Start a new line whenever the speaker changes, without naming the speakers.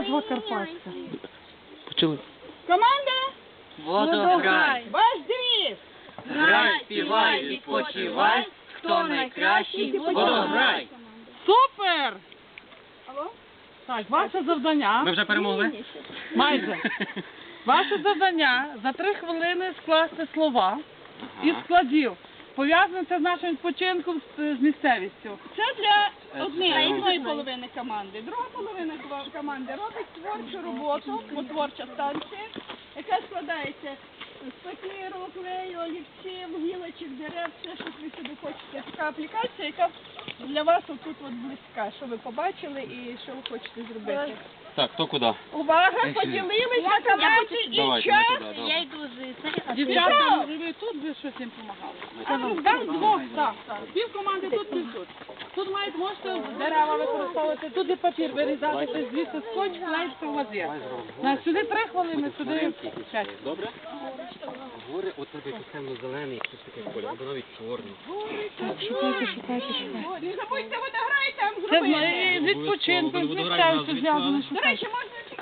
назва карпатська.
Почали.
Команда?
Водограй.
Ваш девіз.
Грай, співай, відпочивай. Хто найкращий, водограй.
Супер!
Алло?
Так, ваше завдання.
Ми вже перемогли?
Майже. Ваше завдання за 3 хвилини скласти слова із складів, пов'язаних з нашим відпочинком з місцевістю.
Це для однієї половини команди. Друга половина команди робить творчу роботу, бо творча станція, яка складається з папіру, клею, олівців, гілочок, дерев, все, що ви собі хочете. Така аплікація, яка для вас отут от близька, що ви побачили і що ви хочете зробити.
Так, хто куди?
Увага, поділились на команди і
Давайте,
час.
ми туди,
Я йду з
Дівчата, може ви тут би щось їм допомагали? Там двох, так. Пів команди тут, пів тут. Тут мають, можете дерева використовувати, тут і папір вирізати, звідси скотч, клеїться в вазі. Сюди 3 хвилини, сюди 5.
Добре? Гори, от тебе темно-зелений, щось таке колір, або навіть чорний.
Шукайте.
Не забудьте водограй там
Це
зробити.
з відпочинком, з місцевістю зв'язано.
До речі, можна